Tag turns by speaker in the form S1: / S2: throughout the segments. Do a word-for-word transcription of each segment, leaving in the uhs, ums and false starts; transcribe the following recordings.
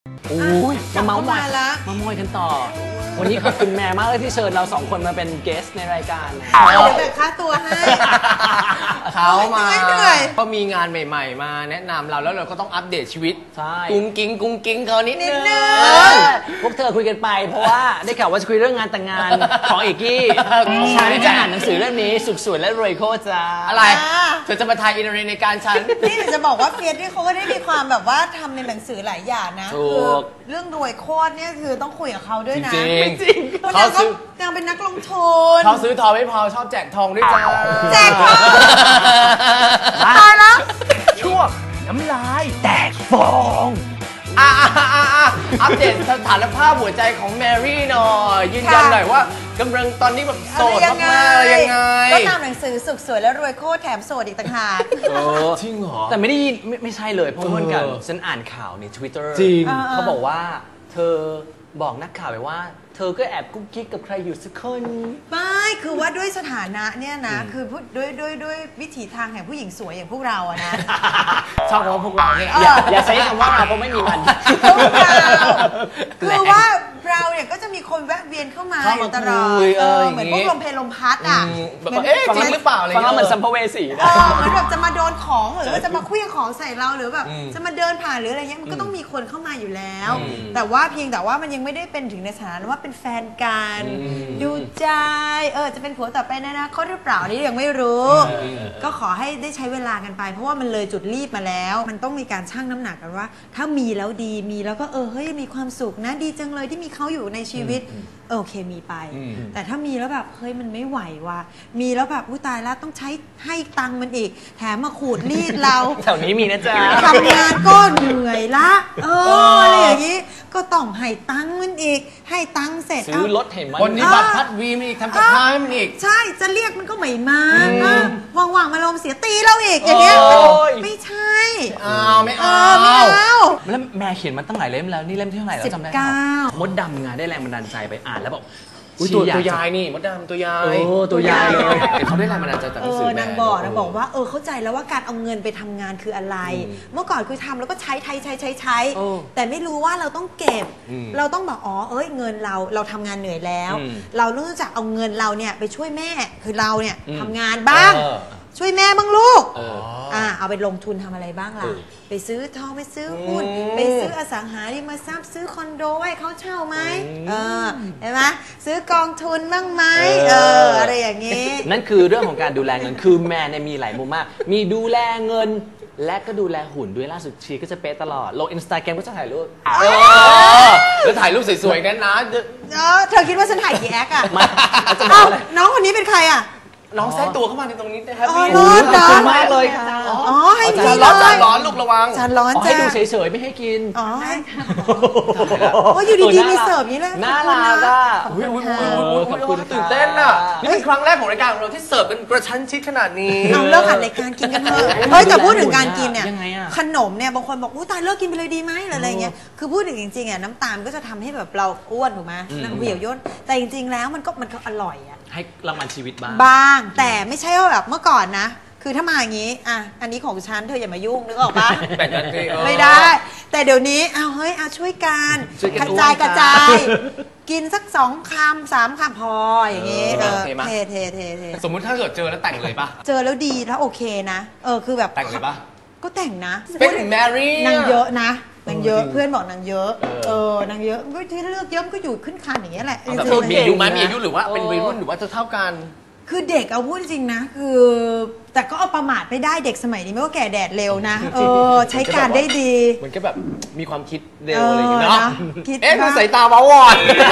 S1: อุ้ยมาเมาส์มอย
S2: ละ
S1: มาเมาส์มอยกันต่อ วันนี้ขอบคุณแม่มากเลยที่เชิญเราสองคนมาเป็นเกสในรายการนะ
S2: เดี๋ยวแบ่งค่าตัวให้
S3: เขามา
S2: เหนื่อย
S3: ก็มีงานใหม่ๆมาแนะนำเราแล้วเราก็ต้องอัปเดตชีวิต
S1: ใช่
S3: กุ้งกิ้งกุ้งกิ้งเขานิดนึง
S1: พวกเธอคุยกันไปเพราะว่าได้ข่าวว่าจะคุยเรื่องงานแต่งงานของเอกกี้ฉันจะอ่านหนังสือเรื่องนี้สุขสวยและรวยโคตรจ้า
S3: อะไรเธอจะมาทายอินเทอร์เน็ตในการฉัน
S2: นี่เดี๋ยวจะบอกว่าเฟียสที่เขาก็ได้มีความแบบว่าทำในหนังสือหลายอย่างนะ
S3: ถูก
S2: คือเรื่องรวยโคตรเนี่ยคือต้องคุยกับเขาด้วยนะ
S3: จริงๆ
S2: จริงเพราะ
S3: เขา
S2: นางก็
S3: ซื้อ
S2: นางเป็นนักลงทุน
S3: เขาซื้อทองไม่พอชอบแจกทองด้วยจ้า
S2: แจกทองตายแล้ว
S3: ช่วงน้ำลายแตกฟองอ่ะอ่ะอ่ะอ่ะอัปเดตสถานภาพหัวใจของแมรี่หน่อยยืนยันหน่อยว่ากำลังตอนนี้แบบโสดมากๆยังไง
S2: ก็ตามหนังสือสุขสวยและรวยโคตรแถมโสดอีกต่างหาก
S3: จริงเหรอ
S1: แต่ไม่ได้ยินไม่ไม่ใช่เลยเพราะเหมือนกัน
S3: เออ
S1: ฉันอ่านข่าวใน Twitter
S3: จริง
S1: เขาบอกว่าเธอบอกนักข่าวไปว่า เธอก็แอบกุ๊กกิ๊กกับใครอยู่สักคน
S2: ไม่คือว่าด้วยสถานะเนี่ยนะคือพูดด้วยด้วยด้วยวิถีทางแห่งผู้หญิงสวยอย่างพวกเราอะนะ
S3: ชอบคำว่าพวกเราเนี่ย
S1: อย่าอย่าใช้คำว่าเราเพราะไม่มีมัน
S2: พวกเราคือว่าเราเนี่ยก็จะมีคนแวะเวียนเข้ามา
S3: เข้า
S2: อ
S3: มา
S2: ยู่ตลอด
S3: คุยเอ
S2: เอ
S3: อ
S2: อ
S3: อย่าง
S2: เหมือน
S3: งี้
S2: พวกลมเพลลมพัดอ่ะ
S3: อืมแบบเอ๊ะจริงหรือเปล่าอะไร
S1: ฟัง
S3: เงี้
S1: แล้ว
S3: ย
S1: เหมือนสัมภเวสี
S2: เออเหมือนแบบจะมาโดนของหรือว่าจะมาเคลื่องของใส่เราหรือแบบ
S3: อืม
S2: จะมาเดินผ่านหรืออะไรเงี้ยมันก็ต้องมีคนเข้ามาอยู่แล้ว
S3: อืม
S2: แต่ว่าเพียงแต่ว่ามันยังไม่ได้เป็นถึงในสถานะว่าเป็นแฟนกัน
S3: อืม
S2: ดูใจเออจะเป็นผัวต่อไปในอนาคตหรือเปล่านี่ยังไม่รู้
S3: อืม
S2: ก็ขอให้ได้ใช้เวลากันไป เพราะว่ามันเลยจุดรีบมาแล้ว มันต้องมีการชั่งน้ำหนักกันว่า ถ้ามีแล้วดีมีแล้วก็เออเฮ้ยมีความสุขนะดีจังเลยที่มีเขาอยู่ในชีวิตเออโอเคมีไป
S3: อืม
S2: แต่ถ้ามีแล้วแบบเฮ้ยมันไม่ไหวว่ะมีแล้วแบบอุ้ยตายแล้วต้องใช้ให้ตังค์มันอีก แถมมาขูดรีดเรา
S1: แถวนี้มีนะจ๊ะ
S2: ทำงานก็เหนื่อยละเอออะไรอย่างนี้ก็ต้องให้ตังค์มันอีก ให้ตังค์เสร็จ
S1: ซื้อ
S2: เาร
S1: ถเห็นมัน
S3: คนนี้บัตรพัดวีมีอีกทำกับข้าวให้มันอีก
S2: ใช่จะเรียกมันก็ไม่มาว่างๆมาลมณ์เสียตีเราอีกอย่างเงี้ย
S1: โอ้ย
S2: ไม่ใช่
S3: อ้าวไม่
S2: เอ
S3: เอา
S2: อไม่เอา
S1: แล้วแม่เขียนมาตั้งหลายเล่มแล้วนี่เล่มที่เท่าไหร่แล้วจำได้ไหม
S2: สิบเก้า
S1: มดดำงานได้แรงบันดาลใจไปอ่านแล้วบอก
S3: อุ๊ย
S1: ชี
S3: ตัว
S1: อยาก
S3: ตัวยา
S1: จะ
S3: ยนี่มดดำตัวยาย
S1: โอ้ตัวยายเลย
S3: แต่เขาได้แรงบันดาลใจจากห
S2: เอ
S3: นังสือ
S2: อ
S3: แม่
S2: นางบอกนางบอกว่าเออเข้าใจแล้วว่าการเอาเงินไปทำงานคืออะไร เมื่อก่อนคือทำแล้วก็ใช้ใช้ใช้ใช้ใช้
S1: โอ้
S2: แต่ไม่รู้ว่าเราต้องเก็บ
S3: อืม
S2: เราต้องบอกอ๋อเอ้ยเงินเราเราทำงานเหนื่อยแล้ว
S1: อืม
S2: เราต้องรู้จักเอาเงินเราเนี่ยไปช่วยแม่คือเราเนี่ย
S1: อืม
S2: ทำงานบ้าง
S3: เออ
S2: ช่วยแม่บ้างลูก
S1: เออ
S2: อ่าเอาไปลงทุนทำอะไรบ้างล่ะ
S1: เออ
S2: ไปซื้อทองไปซื้อหุ้น
S3: อืม
S2: ไปซื้ออสังหาริมทรัพย์ซื้อคอนโดให้เขาเช่าไหมเออเห็นไหมซื้อกองทุนบ้างไหมเอออะไรอย่างงี้
S1: นั่นคือเรื่องของการดูแลเงินคือแม่เนี่ยมีหลายมุมมาก มีดูแลเงิน และก็ดูแลหุ่นด้วยล่าสุดชีก็จะเป๊ะตลอดลงอินสตาแกรมก็จะถ่ายรูป
S3: เออแล้วถ่ายรูปสวยๆนั้นนะ
S2: เออเธอคิดว่าฉันถ่ายกี่แอคอะ
S1: มาอาจจะบอ
S2: อ้าก ว
S1: อะไร
S2: น้องคนนี้เป็นใครอะ
S3: น้องแทรกตัวเข้ามาในตรงนี้นะครับ
S2: อ๋อ
S3: พี่
S2: รอด
S1: ขอบคุณมากเลยค่ะ
S2: อ๋อให้
S1: อ๋อ
S2: พี่
S3: จาน
S2: เล
S3: ร้อนจาน
S2: ย
S3: ร้อนลูกระวัง
S2: จานร้อน
S1: อ๋อ
S2: จ้า
S1: ให้ดูเฉยๆไม่ให้กิน
S2: อ๋อโอ้ยอยู่ดีๆมีเสิร์ฟนี้เลย
S1: น่ารักอ่ะ
S3: อุ้ยอุ้ย
S2: ข
S3: อุ้
S2: อย บ
S3: อุ้ย
S2: คุณ
S3: อุ้ย
S2: ค่ะ
S3: ตื่นเต้นอ่ะ นี่เป็นครั้งแรกของรายการของเราที่เสิร์ฟเป็นกระชั้นชิดขนาดนี้
S2: เอาเลิกหัดรายการกินกันเถอะเฮ้ยแต่พูดถึงการกินเนี่ย
S1: ยังไงอะ
S2: ขนมเนี่ยบางคนบอกอู้ตายเลิกกินไปเลยดีไหมหรืออะไรเงี้ยคือพูดถึงจริงๆอ่ะน้ำตาลก็จะทำให้แบบเราอ้วนถูกไหมน้ำเหี่ยวย่นแต่จริงๆแล้วมันก็มันก็อร่อยอ่ะ
S1: ให้รางวัลชีวิตบ้าง
S2: บ้างแต่ไม่ใช่ว่าแบบเมื่อก่อนนะ คือถ้ามาอย่างนี้อ่ะอันนี้ของฉันเธออย่ามายุ่งนึกออกปะ
S3: แบ่งกันสิเออ
S2: ไม่ได้ แต่เดี๋ยวนี้เอาเฮ้ยเอาช่วยกัน
S1: ช่วยกัน
S2: กระจาย
S1: อ้วน
S2: กระ
S1: ค่ะ
S2: จาย กินสักสองคำสามคำพออย่างงี้
S3: เอ
S2: เอ
S3: อ
S2: อ
S3: โอเคไหม
S2: เทเทเทเท
S3: สมมุติถ้าเกิดเจอแล้วแต่งเลยป่ะ
S2: เจอแล้วดีแล้วโอเคนะเออคือแบบ
S3: แต่งเลยป่ะ
S2: ก็แต่งนะ
S3: เป็นถึงแมรี่
S2: นางเยอะนะนางเยอะ
S3: เออจริง
S2: เพื่อนบอกนางเยอะ
S3: เออ
S2: เออนางเยอะก็ที่เลือกเยอะมันก็อยู่ขึ้นคันอย่างเงี้ยแหละ
S3: แต่
S2: จ
S3: พว
S2: ริ
S3: ก
S2: งๆ
S3: มีอายุไหม
S1: เก่งนะ
S3: มีอายุหรือว่าเป็นวัยรุ่นหรือว่าจะเท่ากัน
S2: คือเด็กเอาพูดจริงนะคือ แต่ก็เอาประมาทไม่ได้เด็กสมัยนี้ไม่ว่าแก่แดดเร็วนะเออใช้การได้ดี
S3: มันก็แบบมีความคิดเร็วอะไรอย่างเงี้ย
S2: เออ
S3: เนาะ
S2: นะคิด
S3: เอ๊ะ
S2: ว่า
S3: ดูสายตาว้าวอน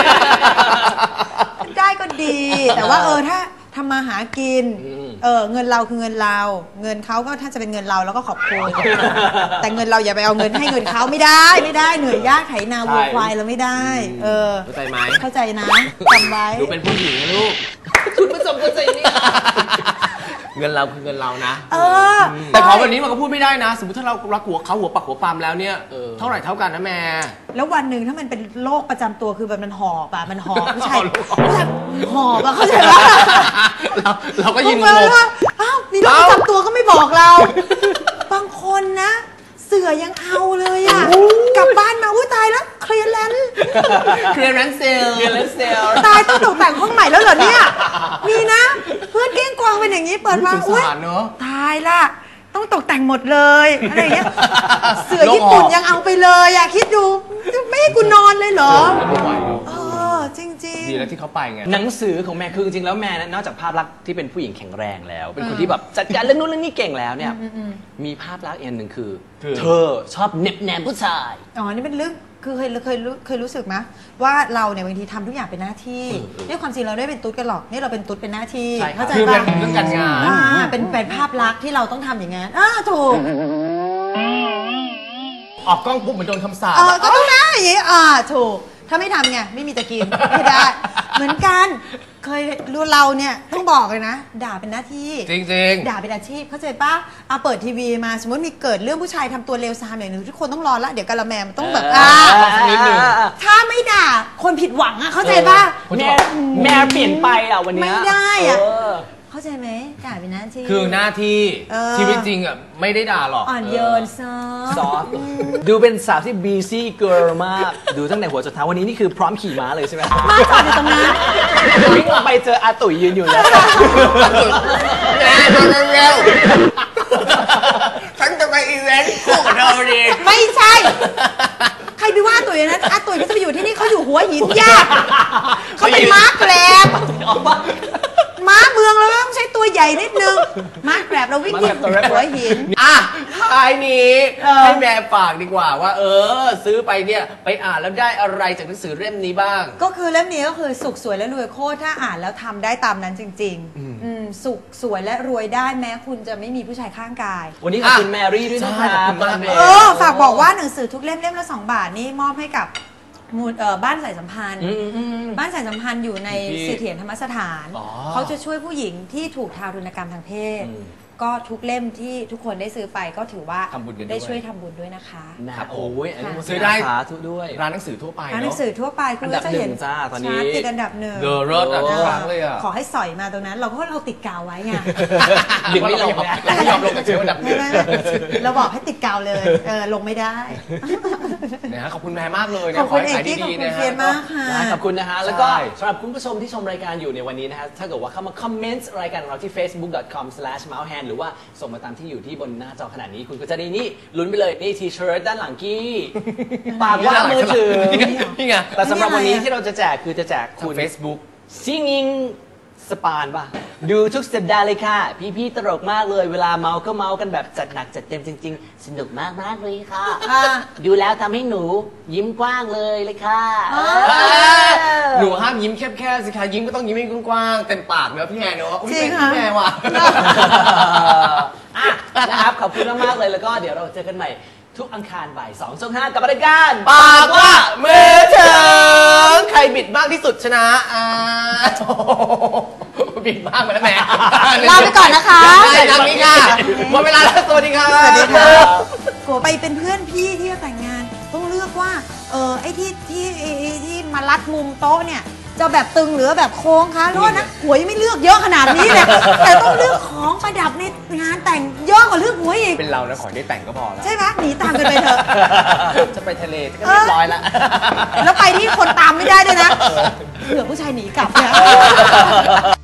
S2: ได้ก็ดี แต่ว่าเออถ้าทำมาหากิน
S3: อืม
S2: เออเงินเราคือเงินเรา เงินเขาก็ถ้าจะเป็นเงินเราเราก็ขอบคุณ แต่เงินเราอย่าไปเอาเงินให้เงินเขาไม่ได้ไม่ได้เหนื่อยยากไถนาวัวควายเราไม่ได้ เออ
S3: เข้าใจไหม
S2: เข้าใจนะจำไว้
S3: ดูเป็นผู้หญิงนะลูกคุณผู้ชมเข้าใจนี่เงินเราคือเงินเรานะ
S2: เออ
S3: แต่ของแบบนี้มันก็พูดไม่ได้นะ สมมติถ้าเรารักหัวเขาหัวปักหัวปามแล้วเนี่ย
S1: เออ
S3: เท่าไหร่เท่ากันนะแม่
S2: แล้ววันหนึ่งถ้ามันเป็นโรคประจำตัวคือแบบมันหอบอะมันหอบผู้ชาย
S3: โรค
S2: ผู้ชายหอบอะเข้าใจปะ
S3: เราเราก็ยินง
S2: งง
S3: ง
S2: ว่าอ้าวมีโรคประจำตัวก็ไม่บอกเรา บางคนนะ เสือยังเอาเลยอะกลับบ้านมาอุ้ยตายแล้ว
S3: เคลียร์แรนเซล
S1: เรียนเลสเซล
S2: ตายต้องตกแต่งห้องใหม่แล้วเหรอเนี่ย มีนะ เพื่อนเก้งกวางเป็นอย่างนี้เปิดมา
S3: สง
S2: อุ้ย
S3: สารเนอะ
S2: ตายละต้องตกแต่งหมดเลยอะไรอย่างเงี้ยเสือญี่ปุ่นยังเอาไปเลยอะคิดดูไม่ให้กูนอนเลยเหรอ
S3: ไม่ไหวเนอะ
S2: เออจริง
S3: ดีแล้วที่เขาไปไง
S1: หนังสือของแม่คือจริงๆแล้วแม่นะนอกจากภาพลักษณ์ที่เป็นผู้หญิงแข็งแรงแล้ว เป็นคนที่แบบจัดการเรื่องนู้นเรื่องนี้เก่งแล้วเนี่ยมีภาพลักษณ์อีกอันหนึ่งคือ
S3: คือ
S1: เธอชอบเน็บแนมผู้ชาย
S2: ๆอ๋อนี่เป็นเรื่องคือเคยเคยรู้เคยรู้สึกไหมว่าเราเนี่ยบางทีทำทุกอย่างเป็นหน้าที่นี่ความจริงเราได้เป็นตุ๊ดกันหรอกนี่เราเป็นตุ๊ดเป็นหน้าที่
S1: ใช่ครับ
S2: เข้าใจ
S3: คือเป็
S2: ปะ
S3: นเรื่องการงาน
S2: อ่าเป็นเป็นภาพลักษณ์ที่เราต้องทำอย่างนั้นอ่าถูก
S3: ออกกล้องปุ๊บเหมือนโดนคำสาป
S2: เออก็ต้องนะอย่างนี้อ่าถูกถ้าไม่ทำไงไม่มีจะกินไม่ได้ เหมือนกันเคยรู้เราเนี่ยต้องบอกเลยนะ ด่าเป็นหน้าที่
S3: จริง
S2: ด่าเป็นอาชีพเข้าใจปะเอาเปิดทีวีมาสมมติมีเกิดเรื่องผู้ชายทำตัวเลวซามอย่างหนึ่งทุกคนต้องรอละเดี๋ยวกะละแมมันต้องแบบ
S1: เออ
S2: อ่า
S1: สักนิดหนึ่ง
S2: ถ้าไม่ด่าคนผิดหวังอะเข้าใจปะ
S3: คนจะ
S1: แม่
S3: บอก
S1: แม่เปลี่ยนไปอ่ะวันเนี้ย
S2: ไม่ได้อะ
S1: เออ
S2: เข้าใจไหมด่าเป็นหน้าที่
S3: ๆ คือหน้าที่
S2: เออ
S3: ชีวิตจริงอ่ะไม่ได้ด่าหรอก
S2: อ่อนโยนซอ
S1: ซอฟต์ดูเป็นสาวที่ busy girl มาก ดูตั้งแต่หัวจนเท้าวันนี้นี่คือพร้อมขี่ม้าเลยใช่ไหม
S2: มาจอดอยู่ตรงนั้น
S1: วิ่งออกไปเจออาตุ๋ยยืนอยู่แล้ว
S3: แม่เร็วๆฉันจะไปอีเวนต์คู่กับเธอดี
S2: ไม่ใช่ ใครไปว่าตุ๋ยนะอาตุ๋ยก็จะไปอยู่ที่นี่เขาอยู่หัวหินยากเขาเป็นม้าแกรบม้าเมืองเราต้องใช้ตัวใหญ่นิดนึงม้าแกรบเราวิ่งที่หัวหิน
S3: อ่ะท้ายนี้
S2: เออ
S3: ให้แม่ฝากดีกว่าว่า เออ ซื้อไปเนี่ยไปอ่านแล้วได้อะไรจากหนังสือเล่มนี้บ้าง
S2: ก็คือเล่มนี้ก็คือสุขสวยและรวยโคตรถ้าอ่านแล้วทำได้ตามนั้นจริงๆอืมสุขสวยและรวยได้แม้คุณจะไม่มีผู้ชายข้างกาย
S1: วันนี้ขอบคุณแมรี่ด้วยนะค
S3: ใช่
S1: รับ
S3: ขอบคุณมากเลย
S2: เออฝากบอกว่าหนังสือทุกเล่มเล่มละสองบาทนี่มอบให้กับมูลเอ่อบ้านสายสัมพันธ์
S1: อืมอืม
S2: บ้านสายสัมพันธ์อยู่ใน
S3: ที่
S2: เสถียรธรรมสถาน
S3: อ๋อ
S2: เขาจะช่วยผู้หญิงที่ถูกทารุณกรรมทางเพศ
S1: อืม
S2: ก็ทุกเล่มที่ทุกคนได้ซื้อไปก็ถือว่า
S3: ทำบุญกันด้วย
S2: ได้ช่วยทำบุญด้วยนะคะ
S1: นะครับโอ้ยอันนี้
S2: ค่ะ
S3: ซื้อได้
S1: สาธุด้วย
S3: ร้านหนังสือทั่วไป
S2: ร้านหนั
S3: เนาะ
S2: งสือทั่วไปคุณ
S1: อันดั
S2: ก็
S1: บ
S2: จะเห็น
S1: หนึ่งจ้าตอนนี้
S2: ชาร์ตติดอันดับหนึ่ง
S3: เดอะรถอ่ะทุกครั้งเลยอ่ะ
S2: ขอให้สอยมาตรงนั้น เราก็เราติดกาวไว้ไง
S1: ดึงไม่ลง
S3: เรา
S1: นะ
S3: ไม่ยอมลงจากเชื้ออันดับห
S2: ไม่
S3: นึ่ง
S2: ไม่ไม่เราบอกให้ติดกาวเลยเออลงไม่ได้
S3: นะฮะขอบคุณแม่มากเลย
S2: ข
S3: นะ
S2: อบคุณ
S3: ให้ขาย
S2: เอกกี้
S3: ดีๆ
S2: ขอบคุณ
S3: นะ
S2: เฟียนมากค่ะ
S1: ได้ขอบคุณนะฮะ แล้วก็
S3: ใช่
S1: สำหรับคุณผู้ชมที่ชมรายการอยู่ในวันนี้นะฮะ ถ้าเกิดว่าเข้ามาคอมเมนต์รายการของเราที่ เฟซบุ๊ก ดอท คอม สแลช เมาส์แฮนด์ หรือว่าส่งมาตามที่อยู่ที่บนหน้าจอขนาดนี้ คุณก็จะได้นี่ลุ้นไปเลย นี่ทีเชิร์ตด้านหลังกี้ ปากว่ามือถือ
S3: นี่ไง
S1: แต่สำหรับวันนี้ที่เราจะแจกคือจะแจก
S3: คุ
S1: คุณ ณ
S3: Facebook
S1: ซิง i งสปานป่ะ ดูทุกสัปดาห์เลยค่ะ พี่ๆตลกมากเลย เวลาเมาก็เมากันแบบจัดหนักจัดเต็มจริง ๆ สนุกมากมากๆเลยค่ะ
S2: อ่า
S1: ดูแล้วทำให้หนูยิ้มกว้างเลยเลยค่ะ
S2: อ่า
S3: หนูห้ามยิ้มแคบๆสิคะยิ้มก็ต้องยิ้มให้กว้างๆเต็มปากเนอะพี่แอนเนอะอุ๊ย
S2: จริง
S3: เป็น
S2: ค่ะ
S3: พี่แอนว่ะ
S1: อ่ะนะครับ ขอบคุณมากๆเลยแล้วก็เดี๋ยวเราเจอกันใหม่ทุกอังคารบ่ายสองช่องห้ากับรายการ
S3: ปากว่ามือถึงใครบิดมากที่สุดชนะอ่าโถ่บิดมากไปแล้วแม่
S2: ลาไปก่อนนะคะ
S3: ได้ครับนี่ค่ะหมดเวลาแล้วสวัสดีค่ะ
S2: สวัสดีค่ะโกไปเป็นเพื่อนพี่ที่จะแต่งงาน ต้องเลือกว่าเออไอ้ที่ที่ไอ้ไอ้ที่มารัดมุมโต๊ะเนี่ยจะแบบตึงหรือแบบโค้งคะรู้นะหัวยังไม่เลือกเยอะขนาดนี้เลยแต่ต้องเลือกของประดับในงานแต่งเยอะกว่าเลือกหัวอีก
S3: เป็นเรานะขอได้แต่งก็พอแล้ว
S2: ใช่ไหมหนีตามกันไปเถอะ
S3: จะไปทะเลก็เรียบร้อยแล้ว
S2: แล้วไปที่คนตามไม่ได้ด้วยนะเผื่อผู้ชายหนีกลับเนี่ย